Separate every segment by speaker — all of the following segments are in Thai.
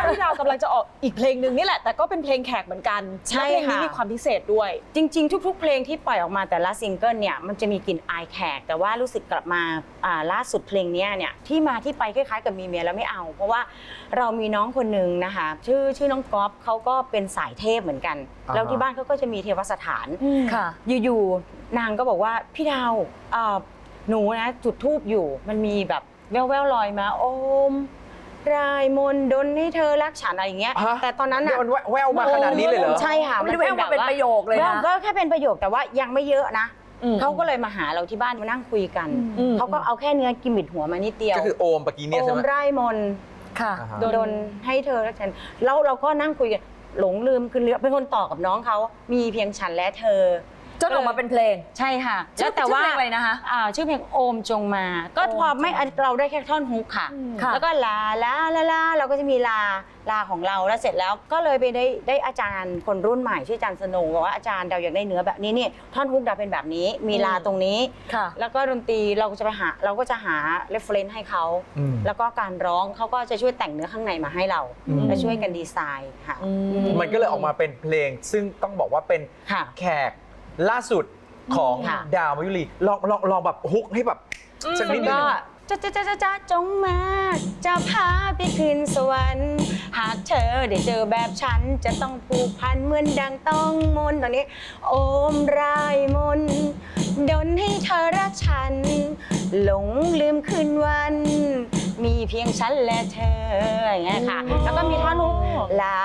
Speaker 1: พี่ดาวกำลังจะออกอีกเพลงหนึ่งนี่แหละแต่ก็เป็นเพลงแขกเหมือนกันใช่เพลงนี้มีความพิเศษด้วย
Speaker 2: จริงๆทุกๆเพลงที่ปล่อยออกมาแต่ละซิงเกิลเนี่ยมันจะมีกลิ่นอายแขกแต่ว่ารู้สึกกลับมาล่าสุดเพลงนี้เนี่ยที่มาที่ไปคล้ายๆกับมีเมียแล้วไม่เอาเพราะว่าเรามีน้องคนหนึ่งนะคะชื่อน้องก๊อฟเขาก็เป็นสายเทพเหมือนกันแล้วที่บ้านเขาก็จะมีเทวสถาน
Speaker 3: ค่ะ
Speaker 2: อยู่ๆนางก็บอกว่าพี่ดาวหนูนะจุดธูปอยู่มันมีแบบแว่วๆลอยมาโอมรายมนดลให้เธอรักฉันอะไรอย่างเงี้ยแต่ตอนนั้นน่ะ
Speaker 4: แววมาขนาดนี้เลยเหรอ
Speaker 2: ใช่ค่ะ
Speaker 3: มันแววมาเป็นประโยคเลยนะ
Speaker 2: ก็แค่เป็นประโยคแต่ว่ายังไม่เยอะนะเขาก็เลยมาหาเราที่บ้านมานั่งคุยกันเขาก็เอาแค่เนื้อกิมมิดหัวมานิดเดียว
Speaker 4: ก็คือโอมปะกี้เนี่ยใช่ไหม
Speaker 2: โอมรายมน
Speaker 3: ค่ะ
Speaker 2: ดลให้เธอรักฉันแล้วเราก็นั่งคุยกันหลงลืมคือเป็นคนต่อกับน้องเขามีเพียงฉันและเธอ
Speaker 3: จนออกมาเป็นเพลง
Speaker 2: ใช่ค่ะ
Speaker 3: แล้วแต่ว่าอะไรนะคะ
Speaker 2: ชื่อเพลงโอมจงมาก็พอไม่เราได้แค่ท่อนฮุกค่ะแล้วก็ลาเราก็จะมีลาของเราแล้วเสร็จแล้วก็เลยไปได้อาจารย์คนรุ่นใหม่ชื่ออาจารย์สโนว์บอกว่าอาจารย์ดาวอยากได้เนื้อแบบนี้นี่ท่อนฮุกดาวเป็นแบบนี้มีลาตรงนี้แล้วก็ดนตรีเราก็จะหาเรฟเฟรนซ์ให้เขาแล้วก็การร้องเขาก็จะช่วยแต่งเนื้อข้างในมาให้เราและช่วยกันดีไซน์ค่ะ
Speaker 4: มันก็เลยออกมาเป็นเพลงซึ่งต้องบอกว่าเป็นแขกล่าสุดของดาวมายุรีลองแบบฮุกให้แบบสักนิดนึง
Speaker 2: จะจงมาจะพาไปคืนสวรรค์หากเธอได้เจอแบบฉันจะต้องผูกพันเหมือนดังต้องมนตอนนี้โอมรายมนดลให้เธอรักฉันหลงลืมคืนวันมีเพียงฉันและเธออย่างเงี้ยค่ะแล้วก็มีท่อนฮุกลา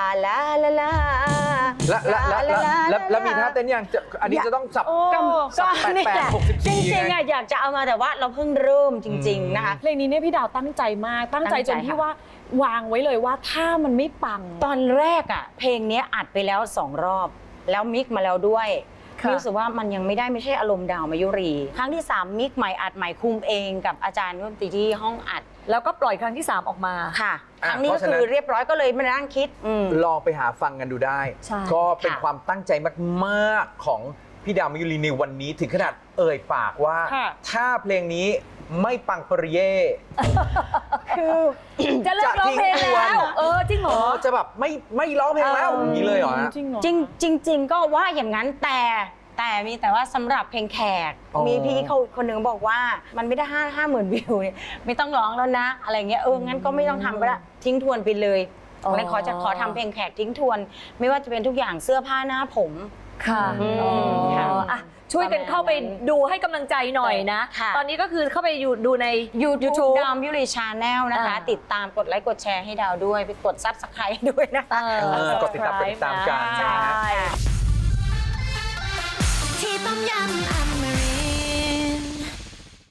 Speaker 4: แล้วมีท่าเต้นยังอันนี้จะต้องสับ88 64
Speaker 2: จริงๆอยากจะเอามาแต่ว่าเราเพิ่งเริ่มจริงๆนะคะ
Speaker 1: เพลงนี้เนี่ยพี่ดาวตั้งใจมากตั้งใจจนที่ว่าวางไว้เลยว่าถ้ามันไม่ปัง
Speaker 2: ตอนแรกอ่ะเพลงนี้อัดไปแล้ว2 รอบแล้วมิกมาแล้วด้วยรู้สึกว่ามันยังไม่ใช่อารมณ์ดาวมายุรีครั้งที่3มิกใหม่อัดใหม่คุมเองกับอาจารย์ดนตรีที่ห้องอัด
Speaker 3: แล้วก็ปล่อยครั้งที่3ออกมา
Speaker 2: ค่ะครั้งนี้ก็คือเรียบร้อยก็เลยมานั่งคิด
Speaker 4: ลองไปหาฟังกันดูได้ก็เป็นความตั้งใจมากๆของพี่ดาวมายุรีในวันนี้ถึงขนาดเอ่ยปากว่าถ้าเพลงนี้ไม่ปังปริเย่
Speaker 3: คือจะเลิกร้องเพลงแล้วจริงเหรอ
Speaker 4: จะแบบไม่ร้องเพลงแล้วอย่างนี้เลยเหรอ
Speaker 2: จริงก็ว่าอย่างนั้นแต่ว่าสำหรับเพลงแขกมีพี่เขาคนหนึ่งบอกว่ามันไม่ได้50,000 วิวเนี่ยไม่ต้องร้องแล้วนะอะไรเงี้ยงั้นก็ไม่ต้องทำก็ได้ทิ้งทวนไปเลยเลยขอทำเพลงแขกทิ้งทวนไม่ว่าจะเป็นทุกอย่างเสื้อผ้าหน้าผม
Speaker 3: ค่ะช่วยกันเข้าไปดูให้กำลังใจหน่อยนะตอนนี้ก็คือเข้าไปดูใน
Speaker 2: YouTube ดาวมายุรีชาแนลนะคะติดตามกดไลค์กดแชร์ให้ดาวด้วยไปกด Subscribe ด้วยนะคะ
Speaker 4: กดติดตามกันนะ